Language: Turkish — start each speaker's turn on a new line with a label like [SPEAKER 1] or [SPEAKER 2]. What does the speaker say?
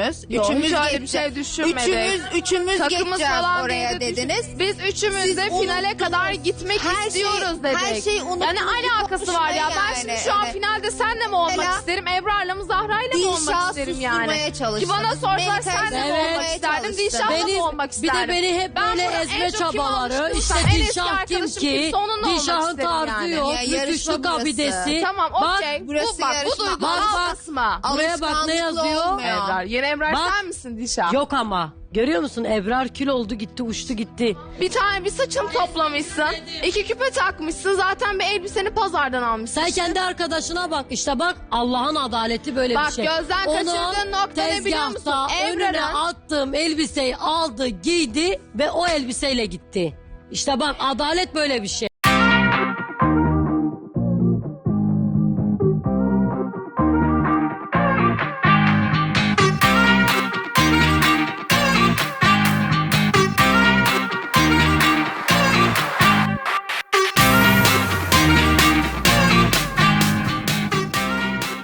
[SPEAKER 1] Yok,
[SPEAKER 2] Üçümüz
[SPEAKER 1] hiç öyle bir
[SPEAKER 2] geçeceğiz.
[SPEAKER 1] şey düşünmedik.
[SPEAKER 2] Üçümüz
[SPEAKER 1] Takımız
[SPEAKER 2] geçeceğiz
[SPEAKER 1] falan
[SPEAKER 2] oraya
[SPEAKER 1] diye de
[SPEAKER 2] dediniz.
[SPEAKER 1] Biz üçümüz de
[SPEAKER 2] Siz
[SPEAKER 1] finale
[SPEAKER 2] unuttunuz.
[SPEAKER 1] kadar gitmek istiyoruz dedik.
[SPEAKER 2] Her şey unutulmuş
[SPEAKER 1] Yani alakası var ya. Ben şimdi şu an finalde senle mi olmak
[SPEAKER 2] Mesela
[SPEAKER 1] isterim? Ebrar'la mı Zahra'yla mı olmak
[SPEAKER 2] Dilşah'ı
[SPEAKER 1] isterim
[SPEAKER 2] susturmaya
[SPEAKER 1] yani?
[SPEAKER 2] çalıştınız.
[SPEAKER 1] Ki bana sorsalar
[SPEAKER 2] Melike'yi
[SPEAKER 1] senle mi
[SPEAKER 3] Evet.
[SPEAKER 1] olmak isterdim?
[SPEAKER 2] çalıştın.
[SPEAKER 1] Dilşah'la mı olmak
[SPEAKER 3] Bir
[SPEAKER 1] isterdim?
[SPEAKER 3] de beni hep
[SPEAKER 1] Ben
[SPEAKER 3] böyle
[SPEAKER 1] burada en
[SPEAKER 3] ezme
[SPEAKER 1] çok kim
[SPEAKER 3] çabaları.
[SPEAKER 1] almıştım?
[SPEAKER 3] İşte
[SPEAKER 1] En eski
[SPEAKER 3] Dilşah kim
[SPEAKER 1] arkadaşım
[SPEAKER 3] ki?
[SPEAKER 1] kimse onunla olmak
[SPEAKER 3] Dilşah'ın
[SPEAKER 1] isterim
[SPEAKER 3] tarzı
[SPEAKER 1] yani.
[SPEAKER 3] yok.
[SPEAKER 2] Ya,
[SPEAKER 3] Rüküşlü
[SPEAKER 2] yarışma burası.
[SPEAKER 3] kabidesi.
[SPEAKER 1] Tamam
[SPEAKER 3] Bak,
[SPEAKER 1] okey.
[SPEAKER 2] burası
[SPEAKER 1] Bu bak bu
[SPEAKER 2] yarışma.
[SPEAKER 1] duyguyu
[SPEAKER 3] Bak, bak.
[SPEAKER 1] basma.
[SPEAKER 3] Buraya bak ne yazıyor?
[SPEAKER 2] olmuyor.
[SPEAKER 1] Ebrar. Yeni Ebrar
[SPEAKER 3] Bak.
[SPEAKER 1] sen misin Dilşah?
[SPEAKER 3] Yok ama. Görüyor musun? Ebrar kül oldu gitti uçtu gitti.
[SPEAKER 1] Bir tane bir saçını toplamışsın. 2 küpe takmışsın. Zaten bir elbiseni pazardan almışsın.
[SPEAKER 3] Sen kendi arkadaşına bak işte bak Allah'ın adaleti böyle
[SPEAKER 1] Bak,
[SPEAKER 3] bir şey.
[SPEAKER 1] gözden kaçırdığın nokta ne biliyor musun?
[SPEAKER 3] Tezgahta önüne
[SPEAKER 1] Ebrar'ın-
[SPEAKER 3] attığım elbiseyi aldı giydi ve o elbiseyle gitti. İşte bak adalet böyle bir şey.